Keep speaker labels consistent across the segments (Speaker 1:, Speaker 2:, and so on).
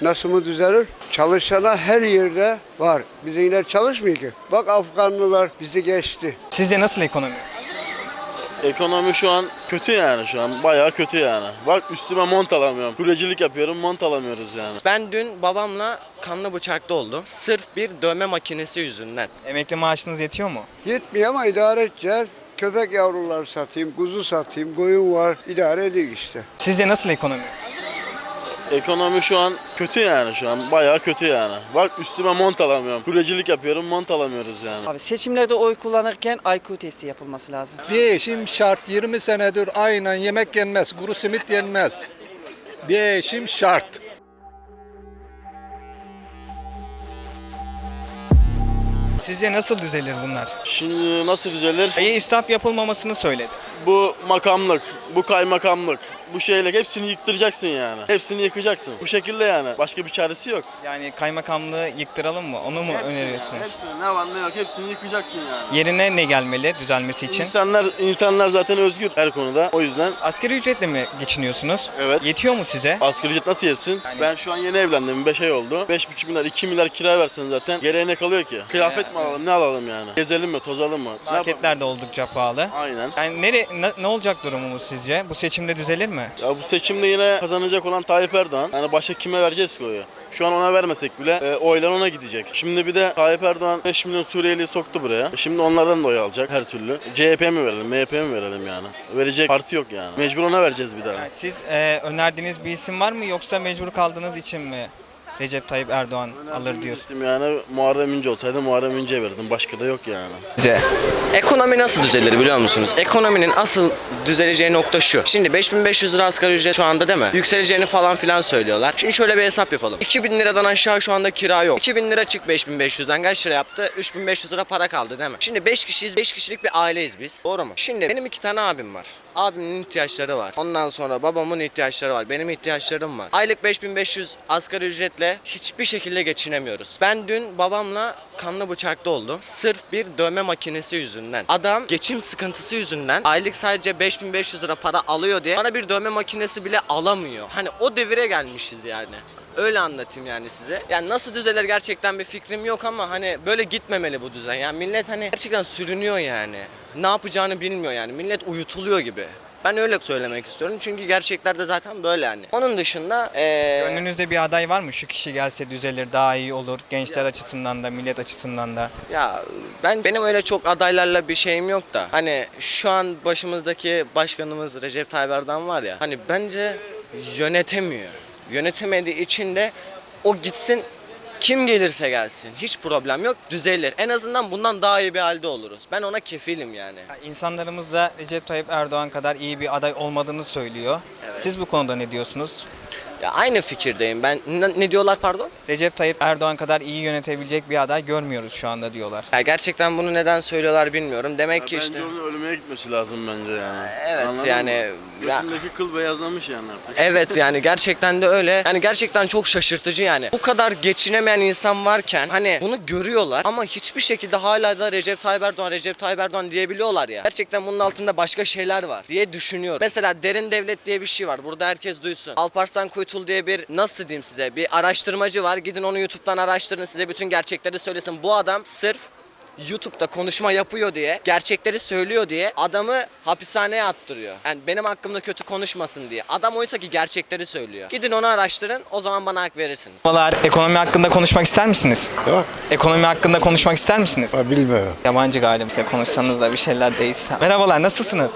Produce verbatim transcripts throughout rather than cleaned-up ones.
Speaker 1: Nasıl mı düzelir? Çalışana her yerde var. Bizimkiler çalışmıyor ki. Bak Afganlılar bizi geçti.
Speaker 2: Sizce nasıl ekonomi?
Speaker 3: Ekonomi şu an kötü yani şu an. Bayağı kötü yani. Bak üstüme mont alamıyorum. Kuryecilik yapıyorum, mont alamıyoruz yani.
Speaker 4: Ben dün babamla kanlı bıçaklı oldum. Sırf bir dövme makinesi yüzünden.
Speaker 2: Emekli maaşınız yetiyor mu?
Speaker 1: Yetmiyor ama idare edeceğiz. Köpek yavruları satayım, kuzu satayım, koyun var. İdare ediyor işte.
Speaker 2: Sizce nasıl ekonomi?
Speaker 3: Ekonomi şu an kötü yani şu an. Bayağı kötü yani. Bak üstüme mont alamıyorum. Kuryecilik yapıyorum, mont alamıyoruz yani.
Speaker 5: Abi seçimlerde oy kullanırken I Q testi yapılması lazım.
Speaker 6: Değişim şart. yirmi senedir aynen yemek yenmez, kuru simit yenmez. Değişim şart.
Speaker 2: Sizce nasıl düzelir bunlar?
Speaker 3: Şimdi nasıl düzelir?
Speaker 2: İyi israf yapılmamasını söyledi.
Speaker 3: Bu makamlık, bu kaymakamlık, bu şeyler hepsini yıktıracaksın yani. Hepsini yıkacaksın. Bu şekilde yani. Başka bir çaresi yok.
Speaker 2: Yani kaymakamlığı yıktıralım mı? Onu mu
Speaker 3: Hepsini
Speaker 2: öneriyorsunuz?
Speaker 3: yani, hepsini ne var ne yok hepsini yıkacaksın yani.
Speaker 2: Yerine ne gelmeli düzelmesi için?
Speaker 3: İnsanlar insanlar zaten özgür her konuda. O yüzden
Speaker 2: Asgari ücretle mi geçiniyorsunuz?
Speaker 3: evet.
Speaker 2: Yetiyor mu size?
Speaker 3: Asgari ücret nasıl yetsin?
Speaker 2: Yani-
Speaker 3: Ben şu an yeni evlendim. beş ay oldu. beş buçuk milyar, iki milyar kira versen zaten geriye ne kalıyor ki? Kıyafet mi alalım, ne alalım yani? Gezelim mi, tozalım mı? Ne
Speaker 2: Marketler
Speaker 3: yapalım?
Speaker 2: de oldukça pahalı.
Speaker 3: Aynen.
Speaker 2: Yani nere, ne, ne olacak durumumuz sizce? Bu seçimde düzelir mi?
Speaker 3: Ya bu seçimde yine kazanacak olan Tayyip Erdoğan. Yani başka kime vereceğiz ki oyu? Şu an ona vermesek bile e, oylar ona gidecek. Şimdi bir de Tayyip Erdoğan beş milyon Suriyeli'yi soktu buraya. E, Şimdi onlardan da oy alacak her türlü. C H P mi verelim, M H P mi verelim yani? Verecek parti yok yani. Mecbur ona vereceğiz bir daha.
Speaker 2: Yani siz e, önerdiğiniz bir isim var mı yoksa mecbur kaldığınız için mi Recep Tayyip Erdoğan alır diyorsun?
Speaker 3: İsim yani Muharrem İnce olsaydı Muharrem İnce'ye verirdim. Başka da yok yani.
Speaker 2: Sizce?
Speaker 4: Ekonomi nasıl düzelir biliyor musunuz? Ekonominin asıl düzeleceği nokta şu. Şimdi beş bin beş yüz lira asgari ücret şu anda değil mi? Yükseleceğini falan filan söylüyorlar. Şimdi şöyle bir hesap yapalım. iki bin liradan aşağı şu anda kira yok. iki bin lira çık beş bin beş yüzden kaç lira yaptı? üç bin beş yüz lira para kaldı değil mi? Şimdi beş kişiyiz. beş kişilik bir aileyiz biz. Doğru mu? Şimdi benim iki tane abim var. Abimin ihtiyaçları var. Ondan sonra babamın ihtiyaçları var. Benim ihtiyaçlarım var. Aylık beş bin beş yüz asgari ücretle hiçbir şekilde geçinemiyoruz. Ben dün babamla kanlı bıçaklı oldum. Sırf bir dövme makinesi yüzünden. Adam geçim sıkıntısı yüzünden aylık sadece beş bin beş yüz lira para alıyor diye bana bir dövme makinesi bile alamıyor. Hani o devire gelmişiz yani. Öyle anlatayım yani size. Yani nasıl düzelir gerçekten bir fikrim yok ama hani böyle gitmemeli bu düzen. Yani millet hani gerçekten sürünüyor yani. Ne yapacağını bilmiyor yani. Millet uyutuluyor gibi. Ben öyle söylemek istiyorum çünkü gerçeklerde zaten böyle yani. Onun dışında ee...
Speaker 2: Gönlünüzde bir aday var mı? Şu kişi gelse düzelir, daha iyi olur. Gençler açısından da, millet açısından da.
Speaker 4: Ya ben benim öyle çok adaylarla bir şeyim yok da. Hani şu an başımızdaki başkanımız Recep Tayyip Erdoğan var ya. Hani bence yönetemiyor. Yönetemediği için de o gitsin, kim gelirse gelsin hiç problem yok, düzelir. En azından bundan daha iyi bir halde oluruz. Ben ona kefilim yani.
Speaker 2: İnsanlarımız da Recep Tayyip Erdoğan kadar iyi bir aday olmadığını söylüyor.
Speaker 4: Evet.
Speaker 2: Siz bu konuda ne diyorsunuz?
Speaker 4: Ya aynı fikirdeyim. Ben ne, ne diyorlar pardon?
Speaker 2: Recep Tayyip Erdoğan kadar iyi yönetebilecek bir aday görmüyoruz şu anda diyorlar.
Speaker 4: Ya gerçekten bunu neden söylüyorlar bilmiyorum. Demek ki
Speaker 3: bence
Speaker 4: işte.
Speaker 3: onun ölmeye gitmesi lazım bence yani.
Speaker 4: Evet,
Speaker 3: Anladın
Speaker 4: yani-
Speaker 3: mı?
Speaker 4: ya-
Speaker 3: Götündeki kıl beyazlamış yani artık.
Speaker 4: Evet yani gerçekten de öyle. Yani gerçekten çok şaşırtıcı yani. Bu kadar geçinemeyen insan varken hani bunu görüyorlar ama hiçbir şekilde hala da Recep Tayyip Erdoğan, Recep Tayyip Erdoğan diyebiliyorlar ya. Gerçekten bunun altında başka şeyler var diye düşünüyorum. Mesela derin devlet diye bir şey var. Burada herkes duysun. Alparslan Kuytul diye bir nasıl diyeyim size bir araştırmacı var. Gidin onu YouTube'dan araştırın, size bütün gerçekleri söylesin. Bu adam sırf YouTube'da konuşma yapıyor diye, gerçekleri söylüyor diye adamı hapishaneye attırıyor. Yani benim hakkımda kötü konuşmasın diye. Adam oysa ki gerçekleri söylüyor. Gidin onu araştırın, o zaman bana hak verirsiniz.
Speaker 2: Merhabalar, ekonomi hakkında konuşmak ister misiniz?
Speaker 7: Yok,
Speaker 2: Ekonomi hakkında konuşmak ister misiniz?
Speaker 7: ben bilmiyorum.
Speaker 2: Yabancı galiba. Konuşsanız da bir şeyler değişse. Merhabalar, nasılsınız?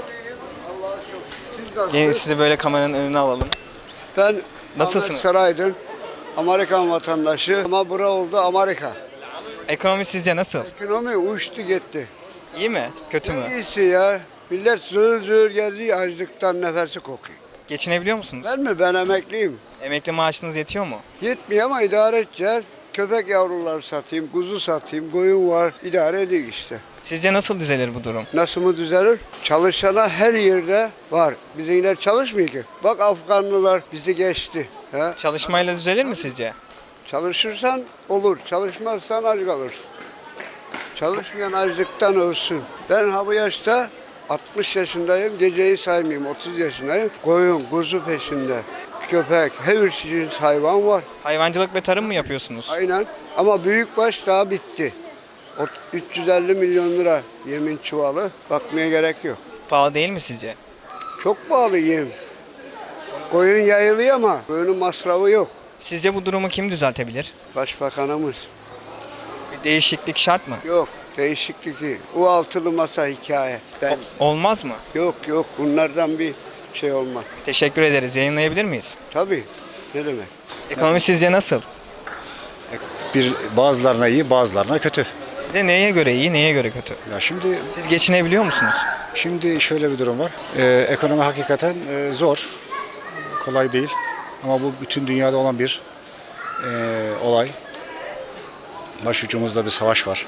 Speaker 2: Gelin sizi böyle kameranın önüne alalım.
Speaker 1: Ben
Speaker 2: Nasılsınız?
Speaker 1: Ahmet Saraydın, Amerikan vatandaşı ama bura oldu Amerika.
Speaker 2: Ekonomi sizce nasıl?
Speaker 1: Ekonomi uçtu gitti.
Speaker 2: İyi mi? Kötü mü?
Speaker 1: İyisi ya. Millet zır zır geziyor, açlıktan nefesi kokuyor.
Speaker 2: Geçinebiliyor musunuz?
Speaker 1: Ben mi? Ben emekliyim.
Speaker 2: Emekli maaşınız yetiyor mu?
Speaker 1: Yetmiyor ama idare edeceğiz. Köpek yavruları satayım, kuzu satayım, koyun var. İdare ediyor işte.
Speaker 2: Sizce nasıl düzelir bu durum?
Speaker 1: Nasıl mı düzelir? Çalışana her yerde var. Bizimkiler çalışmıyor ki. Bak Afganlılar bizi geçti. He?
Speaker 2: Çalışmayla düzelir mi sizce?
Speaker 1: Çalışırsan olur, çalışmazsan aç kalırsın. Çalışmayan açlıktan ölsün. Ben ha bu yaşta altmış yaşındayım, geceyi saymayayım, otuz yaşındayım. Koyun, kuzu peşinde. köpek, her çeşit hayvan var.
Speaker 2: Hayvancılık ve tarım mı yapıyorsunuz?
Speaker 1: Aynen. Ama büyükbaş daha bitti. O üç yüz elli milyon lira yemin çuvalı. Bakmaya gerek yok.
Speaker 2: Pahalı değil mi sizce?
Speaker 1: Çok pahalı yem. Koyun yayılıyor ama koyunun masrafı yok.
Speaker 2: Sizce bu durumu kim düzeltebilir?
Speaker 1: Başbakanımız.
Speaker 2: Bir değişiklik şart mı?
Speaker 1: Yok. Değişiklik değil. O altılı masa hikaye. Ben,
Speaker 2: Olmaz mı?
Speaker 1: yok yok. Bunlardan bir şey olmaz.
Speaker 2: Teşekkür ederiz. Yayınlayabilir miyiz?
Speaker 1: Tabii. Ne demek?
Speaker 2: Ekonomi sizce nasıl?
Speaker 7: Bir bazılarına iyi, bazılarına kötü.
Speaker 2: Sizce neye göre iyi, neye göre kötü?
Speaker 7: Ya şimdi
Speaker 2: Siz geçinebiliyor musunuz?
Speaker 7: şimdi şöyle bir durum var. Ee, ekonomi hakikaten e, zor, kolay değil. Ama bu bütün dünyada olan bir e, olay. Başucumuzda bir savaş var.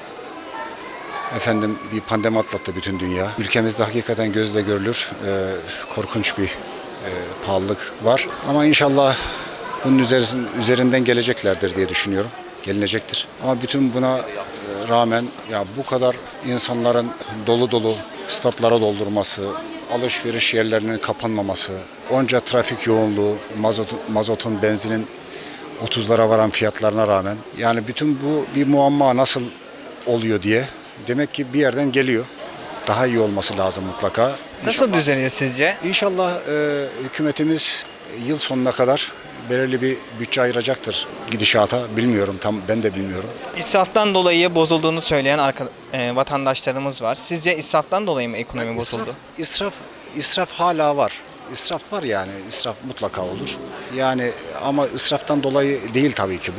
Speaker 7: Efendim bir pandemi atlattı bütün dünya. Ülkemizde hakikaten gözle görülür e, korkunç bir e, pahalılık var. Ama inşallah bunun üzerin- üzerinden geleceklerdir diye düşünüyorum. Gelinecektir. Ama bütün buna e, rağmen ya bu kadar insanların dolu dolu statlara doldurması, alışveriş yerlerinin kapanmaması, onca trafik yoğunluğu, mazot, mazotun, benzinin otuzlara varan fiyatlarına rağmen yani bütün bu bir muamma nasıl oluyor diye demek ki bir yerden geliyor. Daha iyi olması lazım mutlaka.
Speaker 2: Nasıl düzelir sizce?
Speaker 7: İnşallah e, hükümetimiz yıl sonuna kadar belirli bir bütçe ayıracaktır gidişata. Bilmiyorum, tam ben de bilmiyorum.
Speaker 2: İsraftan dolayı bozulduğunu söyleyen arka, e, vatandaşlarımız var. Sizce israftan dolayı mı ekonomi bozuldu?
Speaker 7: İsraf, israf hala var. İsraf var yani, israf mutlaka olur. Yani ama israftan dolayı değil tabii ki bu.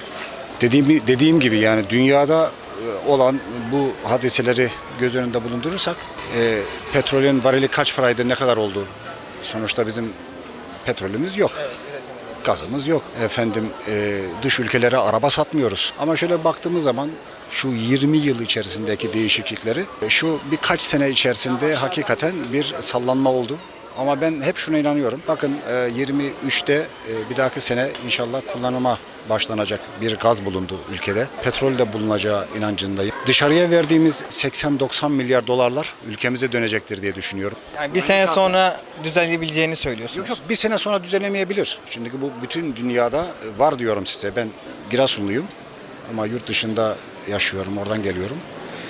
Speaker 7: Dediğim, dediğim gibi yani dünyada e, olan bu hadiseleri göz önünde bulundurursak e, petrolün varili kaç paraydı, ne kadar oldu? Sonuçta bizim petrolümüz yok. Gazımız yok. Efendim e, dış ülkelere araba satmıyoruz. Ama şöyle baktığımız zaman şu yirmi yıl içerisindeki değişiklikleri e, şu birkaç sene içerisinde hakikaten bir sallanma oldu. Ama ben hep şuna inanıyorum. Bakın e, yirmi üçte e, bir dahaki sene inşallah kullanıma başlanacak bir gaz bulundu ülkede. Petrol de bulunacağı inancındayım. Dışarıya verdiğimiz seksen doksan milyar dolarlar ülkemize dönecektir diye düşünüyorum.
Speaker 2: Yani bir sene sonra düzelebileceğini söylüyorsunuz.
Speaker 7: Yok yok bir sene sonra düzelemeyebilir. Şimdi bu bütün dünyada var diyorum size. Ben Giresunluyum ama yurt dışında yaşıyorum, oradan geliyorum.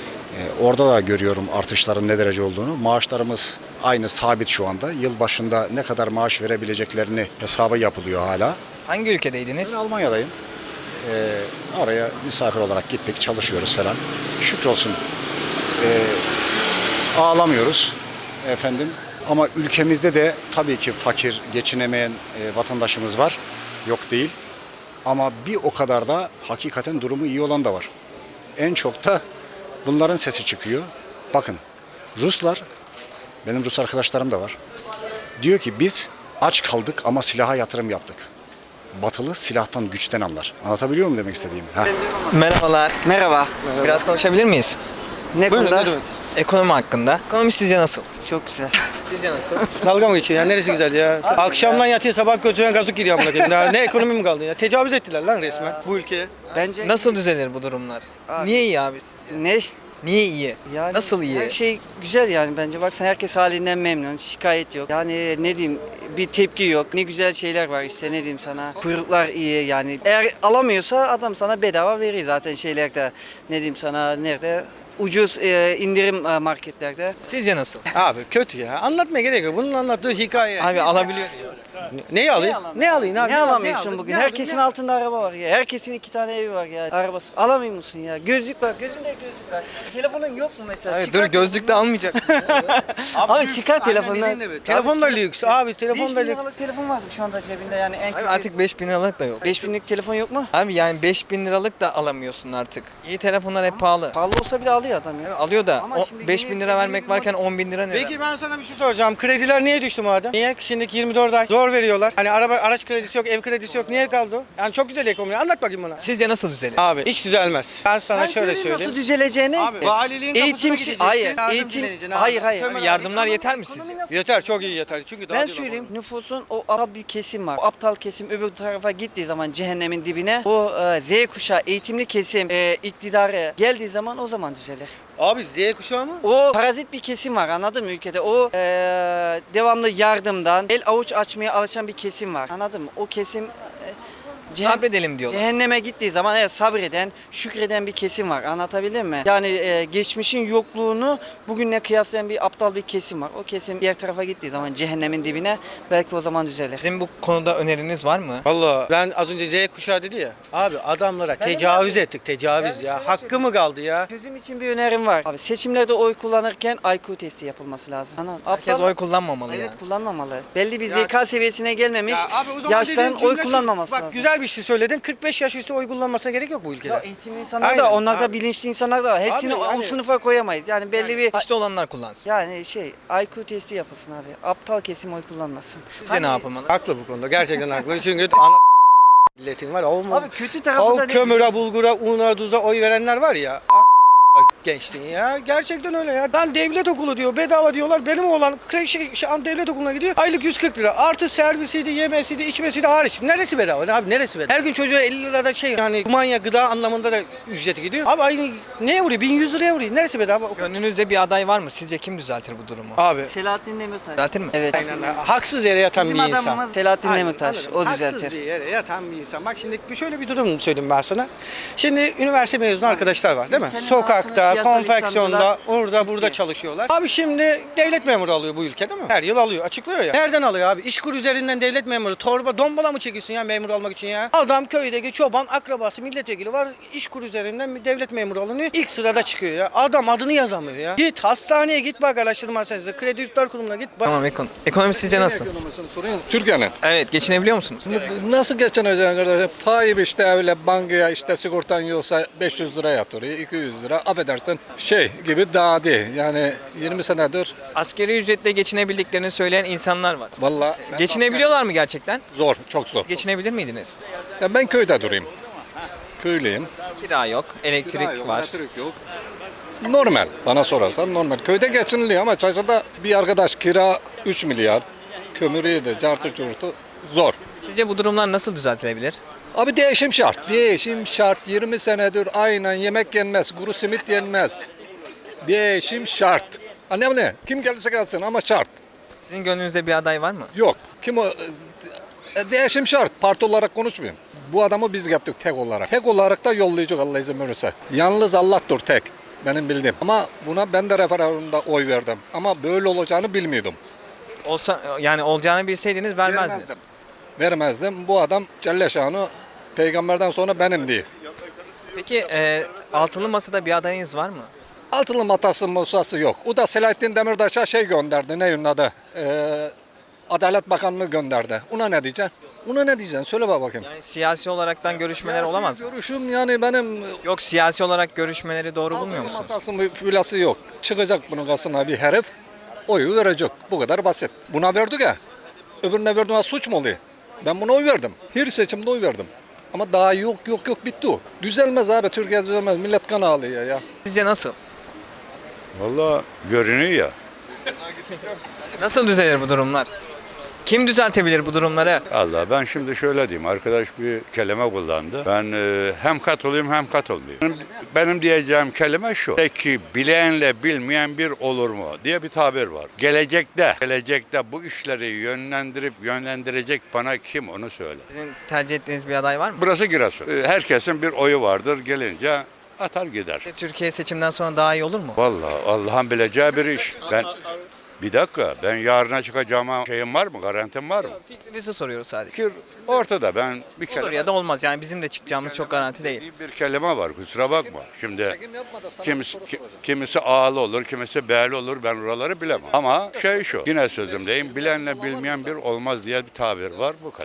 Speaker 7: Ee, orada da görüyorum artışların ne derece olduğunu. Maaşlarımız aynı sabit şu anda. Yıl başında ne kadar maaş verebileceklerini hesabı yapılıyor hala.
Speaker 2: Hangi ülkedeydiniz?
Speaker 7: Ben Almanya'dayım. Ee, oraya misafir olarak gittik, çalışıyoruz falan. Şükrolsun. Ee, ağlamıyoruz efendim. Ama ülkemizde de tabii ki fakir, geçinemeyen e, vatandaşımız var. Yok değil. Ama bir o kadar da hakikaten durumu iyi olan da var. En çok da bunların sesi çıkıyor. Bakın Ruslar, benim Rus arkadaşlarım da var. Diyor ki biz aç kaldık ama silaha yatırım yaptık. Batılı silahtan, güçten anlar. Anlatabiliyor muyum demek istediğimi? Ha.
Speaker 2: Merhabalar.
Speaker 5: Merhaba.
Speaker 2: Biraz konuşabilir miyiz?
Speaker 5: Ne konuda?
Speaker 2: Ekonomi hakkında. Ekonomi sizce nasıl?
Speaker 5: Çok güzel.
Speaker 2: Sizce nasıl?
Speaker 8: Dalga mı geçiyor ya? Neresi güzel ya? Akşamdan yatıyor, sabah götüren gazlık giriyor amına koyayım. Ya ne ekonomi mi kaldı ya? Tecavüz ettiler lan resmen bu ülkeye.
Speaker 5: Bence
Speaker 2: Nasıl düzelir bu durumlar?
Speaker 5: Abi-
Speaker 2: Niye iyi abi sizce?
Speaker 5: ne?
Speaker 2: Niye iyi?
Speaker 5: Yani
Speaker 2: Nasıl iyi?
Speaker 5: Her şey güzel yani bence. Baksana herkes halinden memnun. Şikayet yok. Yani ne diyeyim bir tepki yok. Ne güzel şeyler var işte ne diyeyim sana. Kuyruklar iyi yani. Eğer alamıyorsa adam sana bedava veriyor zaten şeylerde. Ne diyeyim sana nerede? Ucuz e, indirim e, marketlerde.
Speaker 2: Sizce nasıl?
Speaker 8: Abi kötü ya. Anlatmaya gerek yok. Bunun anlattığı hikaye.
Speaker 2: Abi alabiliyor diyor.
Speaker 8: Neyi alayım? Ne alayım abi?
Speaker 5: Ne alamıyorsun
Speaker 8: aldın?
Speaker 5: bugün?
Speaker 8: Ne aldın?
Speaker 5: Herkesin
Speaker 8: Ne-
Speaker 5: altında araba var ya. Herkesin iki tane evi var ya. Arabası. Alamıyor musun ya? Gözlük var. Gözünde gözlük var. Telefonun yok mu mesela?
Speaker 2: Hayır,
Speaker 5: Çıkar
Speaker 2: dur gözlük de almayacak.
Speaker 5: Abi çıkar telefonunu.
Speaker 8: Aynen dediğin gibi. Telefon da lüks abi. Telefon
Speaker 5: beş
Speaker 8: da
Speaker 5: bin
Speaker 8: lüks.
Speaker 5: liralık telefon vardı şu anda cebinde yani en
Speaker 2: Abi
Speaker 5: kötü.
Speaker 2: artık beş bin liralık da yok.
Speaker 5: beş binlik telefon yok mu?
Speaker 2: Abi yani beş bin liralık da alamıyorsun artık. İyi telefonlar hep pahalı.
Speaker 5: Pahalı olsa bile alıyor adam ya.
Speaker 2: Alıyor da
Speaker 5: Ama
Speaker 2: o
Speaker 5: şimdi
Speaker 2: beş
Speaker 5: yeni-
Speaker 2: bin lira
Speaker 5: yeni
Speaker 2: vermek
Speaker 5: bir
Speaker 2: varken on bin lira ne?
Speaker 8: Peki ben sana bir şey soracağım. Krediler niye düştü madem? Niye? Şimdiki yirmi dört ay zor veriyorlar. Hani araba araç kredisi yok, ev kredisi yok. Niye kaldı o? Yani çok güzel ekonomi. Anlat bakayım bana.
Speaker 2: Sizce nasıl düzelir?
Speaker 8: Abi hiç düzelmez. Ben sana
Speaker 5: Ben
Speaker 8: şöyle
Speaker 5: söyleyeyim
Speaker 8: söyleyeyim.
Speaker 5: nasıl düzeleceğini.
Speaker 8: Abi valiliğin kapısına
Speaker 5: Eğitim
Speaker 8: gideceksin.
Speaker 5: hayır,
Speaker 8: yardım
Speaker 5: eğitim
Speaker 8: dileyeceksin abi.
Speaker 5: hayır hayır.
Speaker 8: Tövbe
Speaker 2: Abi yardımlar yeter mi sizce?
Speaker 5: Ekonomi nasıl-
Speaker 8: Yeter, çok iyi yeter. Çünkü daha
Speaker 5: Ben
Speaker 8: diyorlar
Speaker 5: söyleyeyim
Speaker 8: bana.
Speaker 5: nüfusun o ara bir kesim var. O aptal kesim öbür tarafa gittiği zaman cehennemin dibine o e, Z kuşağı eğitimli kesim e, iktidarı geldiği zaman o zaman düzelir.
Speaker 8: Abi Z kuşağı mı?
Speaker 5: O parazit bir kesim var, anladın mı ülkede? O eee, devamlı yardımdan el avuç açmaya alışan bir kesim var. Anladın mı? O kesim eee, cehennem-
Speaker 2: Sabredelim diyorlar.
Speaker 5: Cehenneme gittiği zaman evet sabreden, şükreden bir kesim var. Anlatabildim mi? Yani e, geçmişin yokluğunu bugünle kıyaslayan bir aptal bir kesim var. O kesim diğer tarafa gittiği zaman cehennemin dibine belki o zaman düzelir.
Speaker 2: Sizin bu konuda öneriniz var mı?
Speaker 8: Valla ben az önce Z kuşağı dedi ya. Abi adamlara tecavüz ettik, tecavüz ya. Hakkı mı kaldı ya?
Speaker 5: Çözüm için bir önerim var. Abi seçimlerde oy kullanırken I Q testi yapılması lazım. Anladın?
Speaker 2: Herkes
Speaker 5: Aptal-
Speaker 2: oy kullanmamalı
Speaker 5: Evet
Speaker 2: yani.
Speaker 5: kullanmamalı. Belli bir
Speaker 8: Ya-
Speaker 5: zeka seviyesine gelmemiş
Speaker 8: Ya abi o zaman
Speaker 5: yaşların
Speaker 8: dediğin
Speaker 5: oy
Speaker 8: cümle şu-
Speaker 5: kullanmaması
Speaker 8: Bak
Speaker 5: lazım.
Speaker 8: güzel bir şey söyledin. kırk beş yaş üstü oy kullanmasına gerek yok bu ülkede.
Speaker 5: Ya eğitimli insanlar
Speaker 8: Aynen.
Speaker 5: da onlarda
Speaker 8: Abi-
Speaker 5: bilinçli insanlar da var. Hepsini
Speaker 8: Abi
Speaker 5: o
Speaker 8: yani-
Speaker 5: sınıfa koyamayız. Yani belli bir
Speaker 2: İşte olanlar kullansın.
Speaker 5: yani şey I Q testi yapılsın abi. Aptal kesim oy kullanmasın.
Speaker 2: Sizce ne yapılmalı?
Speaker 8: Haklı bu konuda. Gerçekten haklı. Çünkü ana milletin var ya. Olmaz.
Speaker 5: Abi kötü tarafı da
Speaker 8: Kavuk,
Speaker 5: ne?
Speaker 8: kömüre, bulgura, una, tuza oy verenler var ya. Gençliğin ya. Gerçekten öyle ya. Ben devlet okulu diyor. Bedava diyorlar. Benim oğlan kre- şey, şey, an devlet okuluna gidiyor. Aylık yüz kırk lira. Artı servisiydi, yemesiydi, içmesiydi hariç. Neresi bedava? Ne abi neresi bedava? Her gün çocuğa elli lirada şey yani kumanya gıda anlamında da ücreti gidiyor. Abi aynı neye vuruyor? bin yüz liraya vuruyor. Neresi bedava?
Speaker 2: Gönlünüzde bir aday var mı? Sizce kim düzeltir bu durumu?
Speaker 8: Abi.
Speaker 5: Selahattin Demirtaş.
Speaker 2: Düzeltir mi?
Speaker 5: Evet.
Speaker 8: Aynen. Haksız yere yatan
Speaker 5: Bizim
Speaker 8: bir insan.
Speaker 5: adamımız Selahattin
Speaker 8: Aynen,
Speaker 5: Demirtaş.
Speaker 8: anladım.
Speaker 5: O
Speaker 8: Haksız
Speaker 5: düzeltir.
Speaker 8: bir yere yatan bir insan. Bak şimdi bir- şöyle bir durum söyleyeyim ben sana. Şimdi üniversite mezunu arkadaşlar var değil mi?
Speaker 5: Ülkenin
Speaker 8: Sokakta,
Speaker 5: altını siyasal
Speaker 8: konfeksiyonda,
Speaker 5: İslamcılar
Speaker 8: orada burada
Speaker 5: Türkiye.
Speaker 8: çalışıyorlar. Abi şimdi devlet memuru alıyor bu ülke değil mi? Her yıl alıyor. Açıklıyor ya. Nereden alıyor abi? İşkur üzerinden devlet memuru. Torba, dombala mı çekiyorsun ya memur almak için ya? Adam köydeki çoban, akrabası, milletvekili var. İşkur üzerinden bir devlet memuru alınıyor. İlk sırada çıkıyor ya. Adam adını yazamıyor ya. Git hastaneye git bak araştırma hastanesine. Kredi Yurtlar Kurumu'na git bak.
Speaker 2: Tamam ekon. Ekonomi sizce nasıl?
Speaker 6: Ekonomisini soruyorsun. Türkiye'nin.
Speaker 2: Evet geçinebiliyor musunuz?
Speaker 6: Nasıl geçineceksin kardeşim? Tayyip işte öyle bankaya işte sigortan yoksa beş yüz lira yatırıyor, iki yüz lira. Affedersin şey gibi daha değil. Yani yirmi senedir
Speaker 2: Asgari ücretle geçinebildiklerini söyleyen insanlar var.
Speaker 6: vallahi
Speaker 2: Geçinebiliyorlar mı gerçekten?
Speaker 6: zor, çok zor.
Speaker 2: Geçinebilir miydiniz?
Speaker 6: Ya ben köyde durayım. Köylüyüm.
Speaker 2: Kira yok, elektrik
Speaker 6: Kira yok,
Speaker 2: var.
Speaker 6: elektrik yok. Normal. Bana sorarsan normal. Köyde geçiniliyor ama Çayşa'da bir arkadaş kira üç milyar. Kömürü de cartı curtu zor.
Speaker 2: Sizce bu durumlar nasıl düzeltilebilir?
Speaker 6: Abi değişim şart. Değişim şart. yirmi senedir aynen yemek yenmez, kuru simit yenmez. Değişim şart. Annem ne? Kim gelirse gelsin ama şart.
Speaker 2: Sizin gönlünüzde bir aday var mı?
Speaker 6: Yok. Kim o? E, Değişim şart. Parti olarak konuşmayayım. Bu adamı biz yaptık tek olarak. Tek olarak da yollayacak Allah izin verirse. Yalnız Allah'tır tek. Benim bildiğim. Ama buna ben de referandumda oy verdim. Ama böyle olacağını bilmiyordum.
Speaker 2: Olsa yani olacağını bilseydiniz vermezdiniz.
Speaker 6: Vermezdim. Vermezdim. Bu adam Celle Şanı peygamberden sonra benim diye.
Speaker 2: Peki e, altılı masada bir adayınız var mı?
Speaker 6: Altılı matası musası yok. O da Selahattin Demirtaş'a şey gönderdi. Ne onun adı? Ee, Adalet Bakanlığı gönderdi. Ona ne diyeceksin? Ona ne diyeceksin? Söyle bak bakayım.
Speaker 2: Yani siyasi olaraktan görüşmeler
Speaker 6: Siyasi
Speaker 2: olamaz mı?
Speaker 6: Görüşüm yani benim
Speaker 2: Yok siyasi olarak görüşmeleri doğru bulmuyor
Speaker 6: altılı
Speaker 2: musunuz?
Speaker 6: matası filası yok. Çıkacak bunun karşısına bir herif oyu verecek. Bu kadar basit. Buna verdik ya. Öbürüne verdiğine suç mu oluyor? Ben buna oy verdim. Her seçimde oy verdim. Ama daha yok yok yok bitti o. Düzelmez abi. Türkiye düzelmez. Millet kan ağlıyor ya.
Speaker 2: Sizce nasıl?
Speaker 9: Vallahi görünüyor ya.
Speaker 2: Nasıl düzelir bu durumlar? Kim düzeltebilir bu durumları?
Speaker 9: Allah ben şimdi şöyle diyeyim. Arkadaş bir kelime kullandı. Ben e, hem katılıyım hem katılmayayım. Benim, benim diyeceğim kelime şu. Peki bileyenle bilmeyen bir olur mu diye bir tabir var. Gelecekte, gelecekte bu işleri yönlendirip yönlendirecek bana kim onu söyle.
Speaker 2: Sizin tercih ettiğiniz bir aday var mı?
Speaker 9: Burası Giresun. E, herkesin bir oyu vardır. Gelince atar gider.
Speaker 2: Türkiye seçimden sonra daha iyi olur mu?
Speaker 9: Vallahi Allah'ın bileceği bir iş. Ben bir dakika ben yarına çıkacağıma şeyim var mı? Garantim var mı?
Speaker 2: Fikrinizi soruyoruz sadece.
Speaker 9: Fikir ortada. Ben bir
Speaker 2: Olur
Speaker 9: kelime
Speaker 2: ya da olmaz yani bizim de çıkacağımız çok garanti değil.
Speaker 9: bir kelime var. Kusura bakma. Şimdi
Speaker 6: Çekim yapma da sana bir
Speaker 9: kimisi,
Speaker 6: soru
Speaker 9: ki-
Speaker 6: soracağım.
Speaker 9: kimisi ağlı olur, kimisi beğli olur. Ben oraları bilemem. Ama şey şu. Yine sözümdeyim. Bilenle bilmeyen bir olmaz diye bir tabir var. Bu kadar.